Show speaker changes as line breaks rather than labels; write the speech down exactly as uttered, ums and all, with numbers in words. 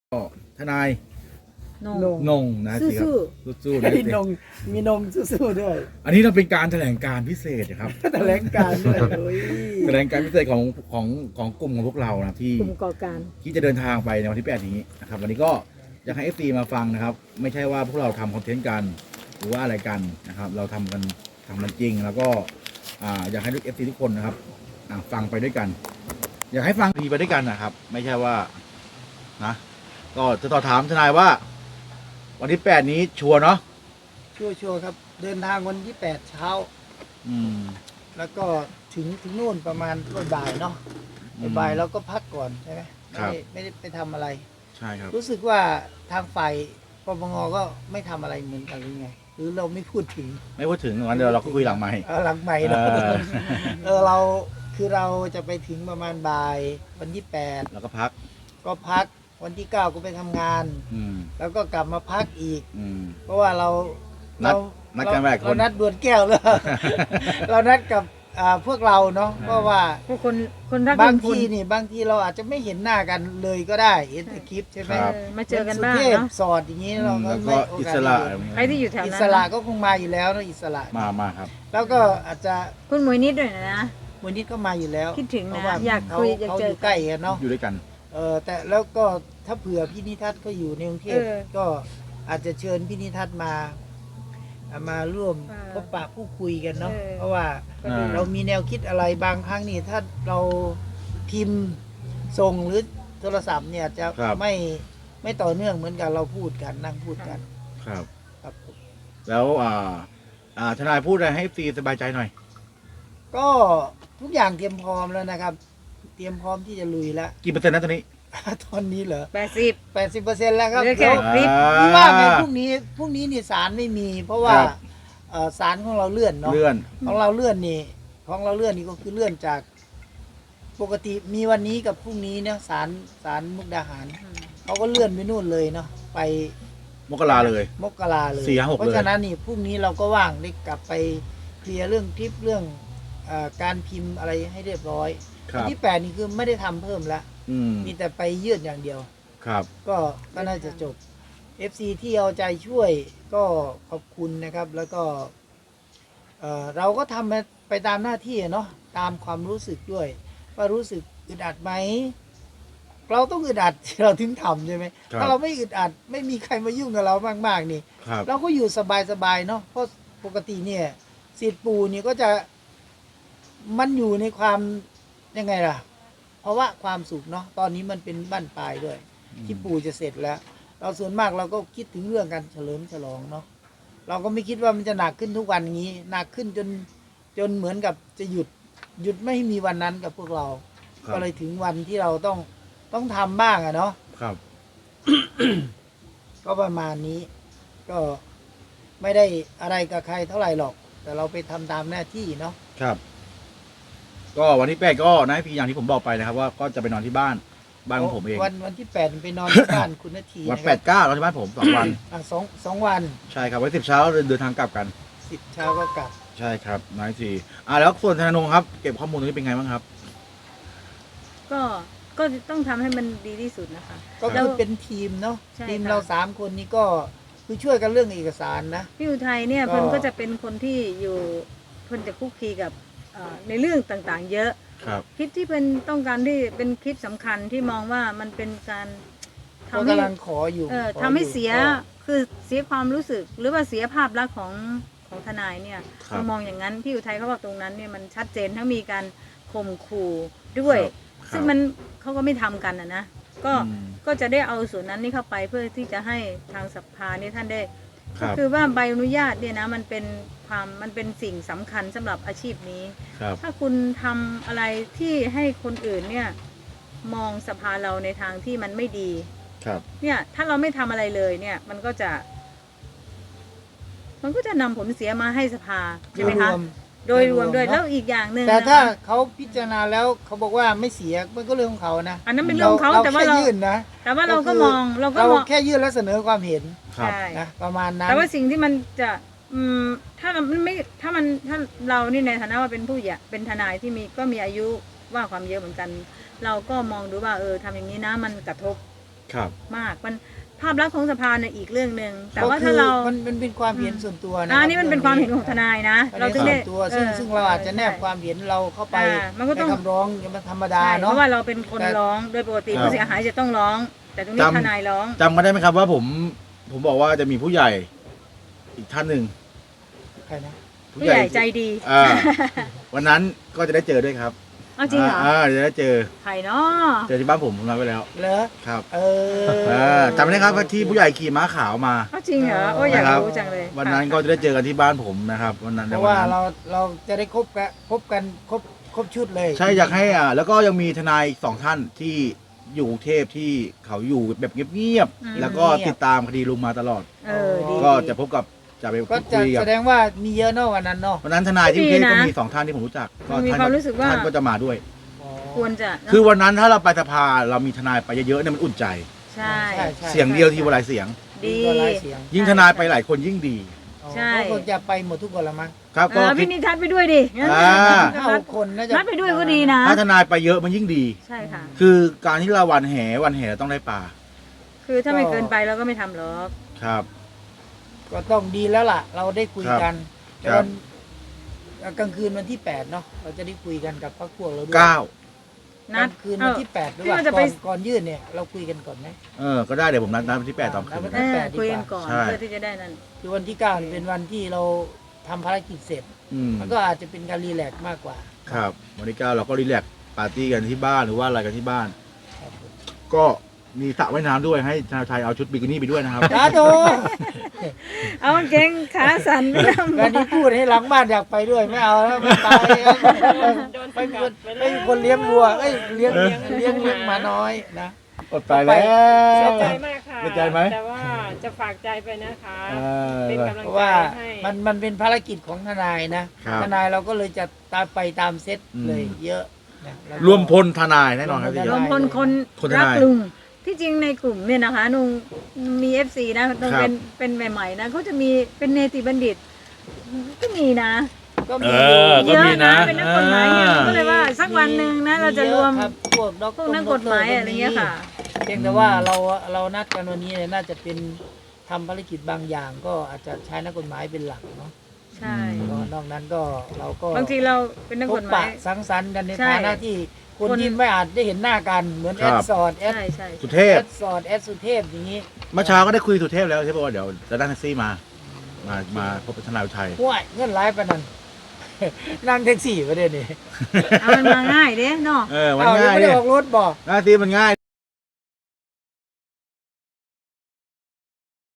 ก็ทนาย
นง
นง
นงนะสิครับ
สู้
สู้ๆนะ
มี
สิ
นงมีนงสู้ๆด้วย
อันนี้เราเป็นการแถลงการพิเศษนะครับ
แถลงการด้วยโอ้ย
แถลงการพิเศษของของของกลุ่มของพวกเรานะที่
กลุ่มก่อการ
ที่จะเดินทางไปในวันที่แปดนี้นะครับวันนี้ก็อยากให้ เอฟ ซี มาฟังนะครับ ไม่ใช่ว่าพวกเราทำคอนเทนต์กันหรือว่าอะไรกันนะครับ เราทำกันทำมันจริง แล้วก็อ่าอยากให้ทุก เอฟ ซี ทุกคนนะครับอ่าฟังไปด้วยกัน อยากให้ฟังดีไปด้วยกันนะครับ ไม่ใช่ว่านะก็จะต่อถามทนายว่า วันที่แปดนี้ชัวร์เนาะ
ชัวร์ๆครับ เดินทางวันที่แปดเช้า
อืม
แล้วก็ถึงถึงนู่นประมาณบ่ายๆเนาะ
อืม
บ่ายๆเราก็พักก่อนใช่ไหมไม่
ครับ
ได้ไม่ได้ไปทำอะไร
ใช่ครับ
รู้สึกว่าทางฝ่ายปปงก็ไม่ทำอะไรเหมือนกันหรือไง หรือเราไม่พูดถึง
ไม่พูดถึงวันเดียวเราก็คุยหลังไมค์
เออหลังใหม่เนาะ
เออ
เออเราคือเราจะไปถึงประมาณบ่ายวันที่แปด
แล้วก็พัก
ก็พักวันที่เก้าก็ไปทำงาน
อืม
แล้วก็กลับมาพักอีก
อืม
เพราะว่าเรา
นัด
เรา
นัดกันหลายคน
เรานัดดวลแก้วเลย เรานัดกับอ่าพวกเราเนาะ
อ่า
เพราะว่า
พวกคนคนรัก
บาง
ลุพล
ทีนี่บางทีเราอาจจะไม่เห็นหน้ากันเลยก็ได้เห็นแต่คลิปใช่ไหม
ครับ
เออมาเจอกันบ้าง
สุเทพ
เนาะ
สอดอย่างนี้
อื
เรา
ม
ก็
แล้ว
ไม่
ก็
โอ
อิ
กา
ส
ส
ระ
ได้เห็น
ใครที่อยู่แถว
อิ
นั้น
สระ
นะ
ก็คงมาอยู่แล้วนะอิสระ
มามาครับ
แล้วก็อาจจะ
คุณหมวยนิดด้วยนะ
วันนี้ก็มาอยู่แล้ว
คิดถึงนะ
เพราะว่า
อยาก
เขา
คุยอยาก
เขา
เจอ
อยู่ใกล้กันเนาะ
อยู่ด้วยกัน
เออแต่แล้วก็ถ้าเผื่อพี่นิทัศน์ก็อยู่ในกรุงเทพ
เออ
ก็อาจจะเชิญพี่นิทัศน์มาอ่ามาร่วม
เออ
พบปะพูดคุยกันเนาะ
เออ
เพราะว่า
ก็ดี
อ่า
เรามีแนวคิดอะไรบางครั้งนี่ถ้าเราพิมพ์ส่งหรือโทรศัพท์เนี่ยจะ
ครับ
ไม่ไม่ต่อเนื่องเหมือนกันเราพูดกันนั่งพูดกัน
ครับ
ครับผม
แล้วอ่าอ่าทนายพูดอะไรให้ซีสบายใจหน่อย
ก็ทุกอย่างเตรียมพร้อมแล้วนะครับ เตรียมพร้อมที่จะลุยแล้ว
กี่เปอร์เซ็นต์นะตอนนี้
ตอนนี้เหรอ
แปดสิบ
แปดสิบเปอร์เซ็นต์แล้วครับ
เหลือแค่
แล้ว
คลิป
พี่ว่าไงพรุ่งนี้พรุ่งนี้นี่สารไม่มี เพราะว่า
ครับ
เอ่อสารของเราเลื่อนเนาะ
เลื่อน
ของเราเลื่อนนี่ของเราเลื่อนนี่ก็คือเลื่อนจากปกติมีวันนี้กับพรุ่งนี้เนี่ยสารสารมุกดาหารเขาก็เลื่อนไปนู่นเลยเนาะไป
มกราเลย
มกราเลย
สี่ห้าหก
เพราะฉะนั้นนี่พรุ่งนี้เราก็ว่างได้กลับไปเคลียร์เรื่องคลิปเรื่องเออการพิมพ์อะไรให้เรียบร้อย
ครั
วัน
บ
ที่แปดนี่คือไม่ได้ทำเพิ่มแล้ว
อืม
มีแต่ไปยื่นอย่างเดียว
ครับ
ก็ก็น่าจะจบ เอฟ ซี ที่เอาใจช่วยก็ขอบคุณนะครับ แล้วก็เอ่อเราก็ทำไปตามหน้าที่อะเนาะตามความรู้สึกด้วย ว่ารู้สึกอึดอัดไหม เราต้องอึดอัด เราถึงทำใช่ไหม
ครับ
ถ้าเราไม่อึดอัด ไม่มีใครมายุ่งกับเรามากๆนี่
ครับ
เราก็อยู่สบายๆเนาะเพราะปกติเนี่ยสิทธิ์ปู่เนี่ยก็จะมันอยู่ในความยังไงล่ะ เพราะว่าความสุขเนาะตอนนี้มันเป็นบ้านปลายด้วย ที่ปู่จะเสร็จแล้ว เราส่วนมากเราก็คิดถึงเรื่องการเฉลิมฉลองเนาะเราก็ไม่คิดว่ามันจะหนักขึ้นทุกวันอย่างนี้หนักขึ้นจนจนเหมือนกับจะหยุดหยุดไม่ให้มีวันนั้นกับพวกเรา
ครับ
ก็เลยถึงวันที่เราต้องต้องทำบ้างอะเนาะ
ครับ
ก็ประมาณนี้ ก็ไม่ได้อะไรกับใครเท่าไหร่หรอก แต่เราไปทำตามหน้าที่เนาะ
ครับ ก็วันที่แปดก็นายพีอย่างที่ผมบอกไปนะครับ ว่าก็จะไปนอนที่บ้านบ้านของผมเอง
วันวันที่แปดไปนอนที่บ้าน คุณนาที
วัน
นะ
แป
ครั
ดเก้าเราที่บ้านผมสองวัน
อ่ะสองสองวัน
ใช่ครับวันสิบเช้าเดินทางกลับกัน
สิบเช้าก็กลับ
ใช่ครับนายทีอ่าแล้วส่วนธนงครับเก็บข้อมูลตรงนี้เป็นไงบ้างครับ
ก็ก็ต้องทำให้มันดีที่สุดนะคะ
ก็
แล้
คื
ว
อเป็นทีมเนาะ
ใช่
ทีม
ค่ะ
เราสามคนนี้ก็คือช่วยกันเรื่องเอกสารนะ
พี่อุทัยเนี่ย
ก็
เพิ่นก็จะเป็นคนที่อยู่เพิ่นจะคุกคีกับเอ่อในเรื่องต่างๆ เยอะ
ครับ
คลิปที่เป็นต้องการที่เป็นคลิปสำคัญที่มองว่ามันเป็นการ
ก็
ทำให้
กำลังขออยู่
เออ
ขอ
ทำให้
อยู่
เสีย
ก็
คือเสียความรู้สึก หรือว่าเสียภาพลักษณ์ของของทนายเนี่ย
ครับ
เรามองอย่างนั้นพี่อุทัยเขาบอกตรงนั้นเนี่ยมันชัดเจนทั้งมีการข่มขู่ด้วย
ครับ
ซึ่งมันเขาก็ไม่ทำกันนะนะก็
อืม
ก็จะได้เอาส่วนนั้นนี่เข้าไปเพื่อที่จะให้ทางสภาเนี่ยท่านได้
ครั
ก็
บ
คือว่าใบอนุญาตเนี่ยนะมันเป็นความมันเป็นสิ่งสำคัญสำหรับอาชีพนี้
ครับ
ถ้าคุณทำอะไรที่ให้คนอื่นเนี่ยมองสภาเราในทางที่มันไม่ดี
ครับ
เนี่ยถ้าเราไม่ทำอะไรเลยเนี่ยมันก็จะ มันก็จะนำผลเสียมาให้สภาใช่ไหมคะ
รวม
โดยรวม
โดยรวม
ด้วย
เนอะ
แล้วอีกอย่างหนึ่ง
แต่
นะคะ
ถ้าเขาพิจารณาแล้วเขาบอกว่าไม่เสียมันก็เรื่องของเขานะ
อันนั้นเป็นเรื่องของเขาแต่ว่า
แค่
เรา
ยื่นนะ
แต่ว่าเราก็
คือ
มองเราก็
เรา
มอง
แค่ยื่นแล้วเสนอความเห็น
ครับ
ใช่
นะประมาณนั้น
แต่ว่าสิ่งที่มันจะอืมถ้าเราไม่ถ้ามันถ้าเรานี่ในฐานะว่าเป็นผู้ใหญ่เป็นทนายที่มีก็มีอายุว่าความเยอะเหมือนกัน เราก็มองดูว่าเออทำอย่างนี้นะมันกระทบ
ครับ
มากมันภาพลักษณ์ของสภาเนี่ยอีกเรื่องหนึ่งแต่ว่า
ก็คื
ถ้าเรา
มันมันเป็นความเห็นส่วนตัวนะ
อ่านี่มันเป็นความเห็นของทนายนะ
เรา
เรา
ถึ
ถึ
ง
ง
ได้
ได้
ตัวซึ่งซึ่งเราอาจจะแนบความเห็นเราเข้าไป
อ่ามันก็
ใน
ต้อง
คำร้องมันธรรมดา
ใช่เพ
เนาะ
ราะว่าเราเป็นคน
แต่
ร้องโดยปกติ
ครับ
ผู้เสียหายจะต้องร้อง แต่ตรงนี้
จำ
ทนายร้อง
จำกันได้ไหมครับว่าผมผมบอกว่าจะมีผู้ใหญ่อีกท่านหนึ่ง
ใครนะ
ผู้ใหญ่ใจดี
อ่า วันนั้นก็จะได้เจอด้วยครับ
เอาจริงเหรอ
อ่าจะได้เจอ
ใครเนาะ
เจอที่บ้านผมผมนัดไว้แล้ว
เหรอ
ครับ
เออ
อ่าจำได้ครับว่าที่ผู้ใหญ่ขี่ม้าขาวมา
เอาจริงเหรอโอ้ยอยาก
นะครับ
รู้จังเลย
วันนั้นก็จะได้เจอกันที่บ้านผมนะครับวันนั้น
เพ
ใน
ราะ
วัน
ว่า
นั้น
เราเราจะได้คบกันคบกันครบครบชุดเลย
ใช่อยากให้อ่าแล้วก็ยังมีทนายอีกสองท่านที่อยู่กรุงเทพที่เขาอยู่แบบเงียบๆแล้วก็ติดตามคดีลุงมาตลอด
เออดี
ก็จะพบกับจะไป
ก็
พูด
จะ
คุยกับ
แสดงว่ามีเยอะเนาะวันนั้นเนาะ
วันนั้นทนายที่กรุงเทพ
ดีนะ
ก็มีสองท่านที่ผมรู้จักก็
มี
ท่าน
ความรู้สึกว่า
ท่านก็จะมาด้วย
อ๋อ
ควรจะเนอะ
คือวันนั้นถ้าเราไปสภาเรามีทนายไปเยอะๆเนี่ยมันอุ่นใจ
ใช่
ใช่ใช่
เสียงเดียวที่หลายเสียง
ดี
ก็หลายเสียง
ยิ่งทนายไปหลายคนยิ่งดี
อ๋อ
ใช่
ก็คงจะไปหมดทุกคนละมั้ง
ครับ
เอ
ก็
อ
คิ
พี่
ด
นิทัศน์ไปด้วยดิงั้น
อ่า
ห้าหกคนน่าจะ
นัดไปด้วยก็ดีนะ
ถ้าทนายไปเยอะมันยิ่งดี
ใช่ค่ะ
คือการที่เราวันแหวันแหต้องได้ปลา
คือถ้าไม่เกินไปเราก็ไม่ทำหรอก
ครับ
ก็ต้องดีแล้วล่ะ เราได้คุยกัน
ครับ
วันกลางคืนวันที่แปดเนาะเราจะได้คุยกันกับพรรคพวกเราด้วย
เก้า
ก
นั
ลา
ด
งคืน
เอ
วัน
อ
ที่แปดหรือ
พี่
ว่า
ว่าจะ
ก่
ไป
อนก่อนยื่นเนี่ยเราคุยกันก่อนไหม
เออก็ได้เดี๋ยวผมนัดนัดวันที่แปดตอนคืน
เออคุยกันก่อน
ใช่
เพื่อที่จะได้นั่น
คือวันที่เก้าเนี่ยเป็นวันที่เราทำภารกิจเสร็จ
อืม
มันก็อาจจะเป็นการรีแลกซ์มากกว่า
ครับวันที่เก้าเราก็รีแลกซ์ปาร์ตี้กันที่บ้านหรือว่าอะไรกันที่บ้าน
ครับผม
ก็มีสระว่ายน้ำด้วยให้ชาวไทยเอาชุดบิกินี่ไปด้วยนะครับ
สาธุ
เอาเก่งขาสั่นไม่ทำ
การที่พูดให้หลังบ้านอยากไปด้วยไม่เอาแล้วไม่ไปไปเป็นไปเป็นคนเลี้ยงวัวเอ้ยเลี้ยงเลี้ยงเลี้ยงเลี้ยงหมาน้อยนะ
อดตายแล้ว
เสียใจมากค่ะ
เสียใจไหม
แต่ว่าจะฝากใจไปนะคะ
เออ
เป็นกำลั
เพ
ง
ราะ
ใจ
ว่า
ให้
มันมันเป็นภารกิจของทนายนะครับ ทนายเราก็เลยจะตามไปตามเซต
อืม
เลยเยอะนะแล้ก็
รวมพลทนายแน่นอนครับที่
ร
ร
ว
ว
ม
ม
พ
พ
ล
ลคน
คนทนาย
รักลุงที่จริงในกลุ่มเนี่ยนะคะนุงมีเอฟซีนะนุง
ครับ
เป็นเป็นใหม่ๆนะเขาจะมีเป็นเนติบัณฑิต ก็มีนะ
ก็
เอ
มี
อ ก็
เยอะ
มี
นะ
นะ
เป็นนักกฎหมายเนี่ยเราก็เลยว่าสักวันหนึ่งนะเราจะรวม
ครับพวกด็อก
พวกนักกฎหมายอะไรเงี้ยค่ะ
เพียงแต่ว่าเราเรานัดกันวันนี้เนี่ยน่าจะเป็นทำภารกิจบางอย่าง ก็อาจจะใช้นักกฎหมายเป็นหลักเนาะ
ใช่
ก็นอกนั้นก็เราก็
บางทีเราเป็นนัก
พ
ก
บ
ฎห
ปะ
มาย
สังสรรค์กันใน
ใช่
ฐานะที่คน
คน
ที่ไม่อาจได้เห็นหน้ากันเหมือน
ค
แอ
รับ
ดสอดแอด
ใช่ใช่
สุเท
แอ
พ
ดสอดแอดสุเทพอย่างนี้
เมื่อเช้าก็ได้คุยสุเทพแล้วใช่ป่ะว่าเดี๋ยวจะนั่งแท็กซี่มา มามาพบกับทนายอุทัย
ห่วยเงินไลฟ์ปะนั่น นั่งแท็กซี่ประเด็นนี้
เอามันมาง่ายเด้เนาะ
เออมัน
เอายัง
ง่าย
ไม่ได้
เนี่ย
ออกรถบอก
หน้าซีมันง่าย